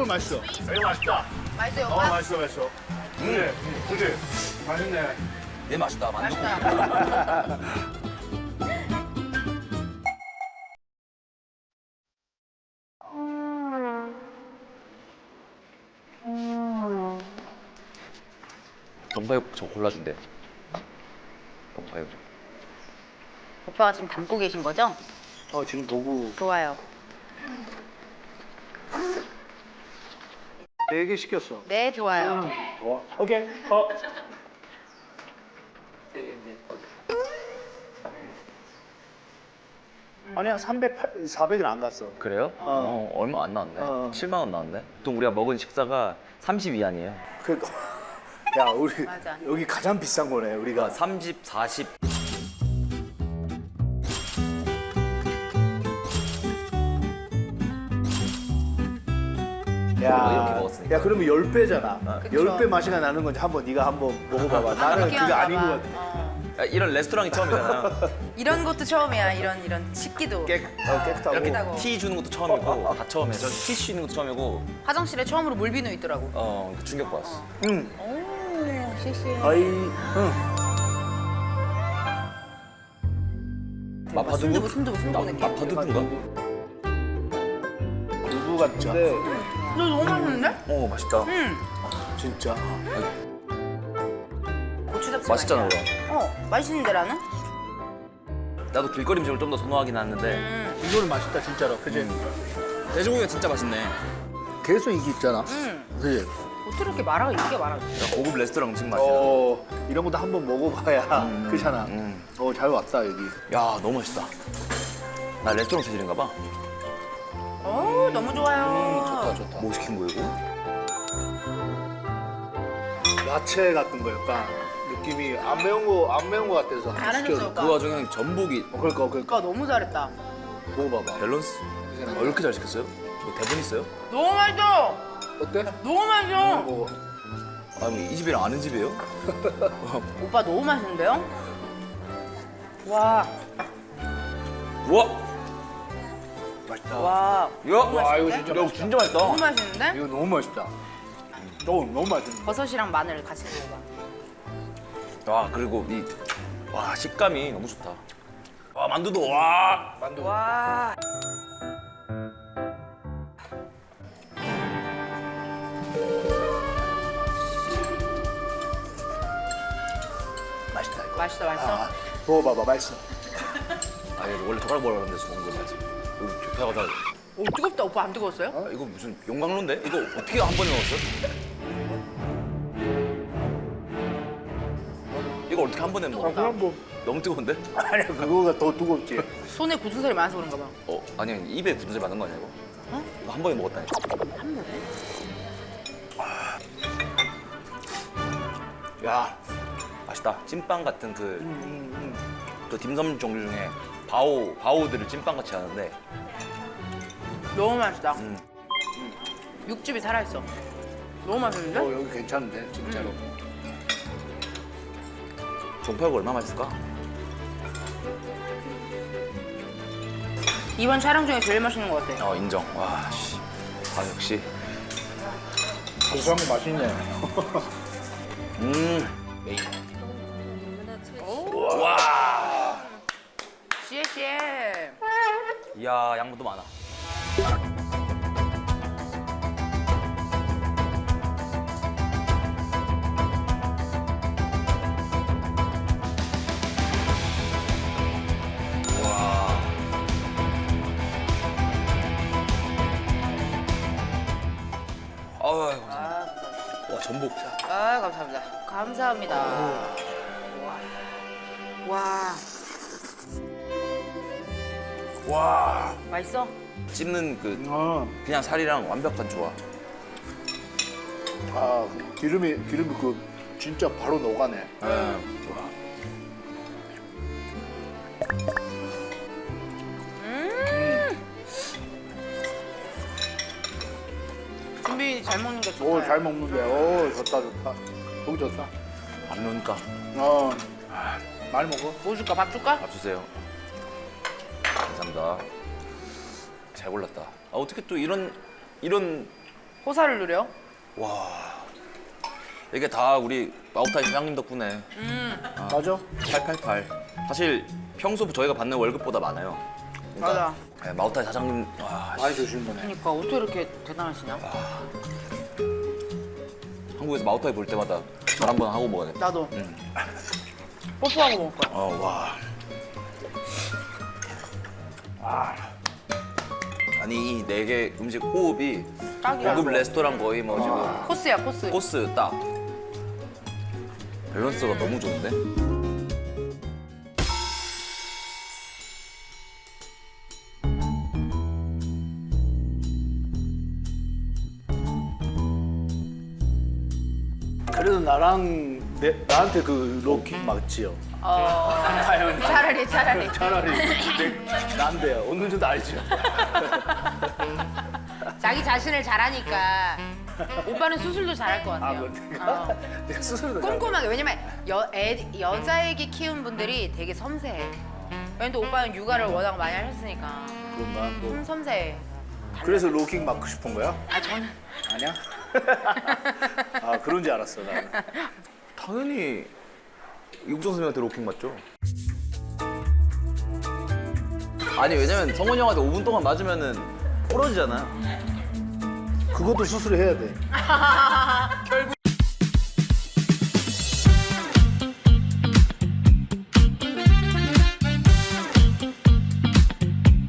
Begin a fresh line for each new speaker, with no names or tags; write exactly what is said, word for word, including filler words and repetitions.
맛있어.
이거 맛있다.
맛있어요,
어,
오빠?
맛있어, 맛있어. 그래, 그래. 맛있네.
얘 맛있다. 만두.
맛있다.
동파육 저 골라준대. 동파육.
오빠가 지금 담고 계신 거죠?
어, 지금 보고
좋아요.
네 개 시켰어.
네, 좋아요.
좋아. 오케이. 어. 아니야, 삼백, 사백은 안 갔어.
그래요?
어.
어, 얼마 안 나왔네.
어.
칠만 원 나왔네. 보통 우리가 먹은 식사가 삼십 위안이에요.
그러니까 야, 우리
맞아.
여기 가장 비싼 거네, 우리가.
삼십, 사십.
야,
이렇게 먹었으니까.
야, 그러면 열 배잖아.
그쵸.
열 배 맛이가 나는 건지 한번 네가 한번 먹어봐봐. 나는 그게
느끼한가
아닌 것
봐.
같아.
어.
야, 이런 레스토랑이 처음이잖아요.
이런 것도 처음이야. 이런 이런 식기도.
깨, 어, 깨끗하고.
이렇게
깨끗하고.
티 주는 것도 처음이고 다 처음이에요. 저 티슈 있는 것도 처음이고
화장실에 처음으로 물비누 있더라고.
어 충격 받았어.
응.
오, 섹시해.
아이, 응.
마파두부?
순두부, 순두부, 순두부 느낌.
마파두부인가?
두부 같은데
너 너무 맛있는데?
어 맛있다.
응.
진짜.
고추 잡채
맛있잖아
맛이야.
그럼.
어, 맛있는데 나는?
나도 길거리 음식을 좀 더 선호하긴 하는데
음.
이거는 맛있다, 진짜로. 그지?
돼지고기가 진짜 맛있네.
계속 이게 있잖아.
음.
그지?
어떻게 이렇게 말아가 이게 말아?
고급 레스토랑 음식 맛이야.
어, 이런 것도 한번 먹어봐야.
음,
그렇잖아.
음.
어, 잘 왔다, 여기.
야 너무 맛있다. 나 레스토랑 체질인가 봐.
어, 너무 좋아요.
음, 좋다, 좋다.
뭐 시킨 거야 이거?
야채 같은 거 약간 느낌이 안 매운 거, 안 매운 거 같아서. 하나
잘하셨어,
시켜줘.
오빠.
그 와중에 전복이
어, 그러니까, 그러니까.
오빠 너무 잘했다.
먹어봐봐.
밸런스? 어, 이렇게 잘 시켰어요? 뭐 대본 있어요?
너무 맛있어.
어때?
너무 맛있어.
먹어.
아니 이 집이랑 아는 집이에요?
오빠 너무 맛있는데요? 와,
우와!
맛있다.
와,
야!
와, 이거 진짜
야, 이거 진짜 맛있다.
너무 맛있는데?
이거 너무 맛있다. 어, 너무 맛있는데.
버섯이랑 마늘 같이 먹어봐.
와 그리고 이 와 식감이 너무 좋다. 와 만두도 와.
만두.
와,
맛있다, 이거.
맛있어, 맛있어.
아, 먹어봐봐, 맛있어.
아 이거 원래 젓가락 먹으러 가는데 먹는 거 맞지? 여기 좁혀가다.
오, 뜨겁다. 오빠 안 뜨거웠어요?
아, 이거 무슨 용광로인데? 이거 어떻게 한 번에 넣었어? 이거 어떻게 한 번에 먹어?
아, 그럼 뭐.
너무 뜨거운데?
아니야, 그거가 더 두껍지.
손에 굳은 살이 많아서 그런가 봐.
어 아니 입에 굳은 살 많은 거 아니야 이거?
어?
이거 한 번에 먹었다니까.
한 번에?
야 맛있다. 찐빵 같은 그
음, 음,
또 딤섬 종류 중에 바오 바오들을 찐빵 같이 하는데
너무 맛있다.
음.
육즙이 살아있어. 너무 맛있는데?
어, 여기 괜찮은데, 진짜로.
동파육 얼마 맛있을까?
이번 촬영 중에 제일 맛있는 것 같아.
어 인정. 와 씨. 아 역시.
고소한 거 맛있네.
음. 메인.
씨에씨에.
이야 양보도 많아. 와. 아유 감사합니다.
아,
와 전복.
아, 감사합니다. 감사합니다. 와. 와,
와.
맛있어?
씹는 그
어,
그냥 살이랑 완벽한 조화.
아, 기름이, 기름이 그, 진짜 바로 녹아네.
음.
와.
준비 잘 먹는 게 좋다.
오, 잘 먹는데. 오, 좋다, 좋다. 너무 좋다.
안 넣으니까
어, 많이 먹어.
뭐 줄까? 밥 줄까?
밥 주세요. 감사합니다. 잘 골랐다. 아 어떻게 또 이런 이런
호사를 누려.
와. 이게 다 우리 마오타이 사장님 덕분에.
맞아?
팔팔팔. 사실 평소 저희가 받는 월급보다 많아요.
맞아.
네, 마오타이 사장님 와,
많이 주신 거네.
그러니까 어떻게 이렇게 대단하시냐?
한국에서 마오타이 볼 때마다 말 한 번 하고 먹어야 돼.
나도.
응.
뽀뽀하고 먹을 거야.
어, 와. 아. 아니 이 네 개 음식 호흡이
딱이야.
고급 레스토랑 거의 뭐 지금
코스야 코스.
코스 딱. 밸런스가 너무 좋은데?
그래도 나랑 내, 나한테 그 로킥 맞지요?
어.
다현이.
차라리 차라리.
차라리 내, 난데요. 어느 정도 알죠?
자기 자신을 잘하니까 오빠는 수술도 잘할 것
아,
같아요.
그래? 내가,
어.
내가 스스로도 잘
꼼꼼하게. 왜냐면 여, 애, 여자애기 키운 분들이 되게 섬세해. 왜냐면 또 오빠는 육아를 워낙 많이 하셨으니까
그런가? 뭐.
좀 섬세해.
그래서 로킥 맞고 싶은 거야?
아 저는
아니야? 아 그런 줄 알았어 나는.
당연히 이국정 선생님한테 로킹 맞죠? 아니 왜냐면 성원이 형한테 오 분 동안 맞으면은 부러지잖아요.
그것도 수술해야 돼.
결국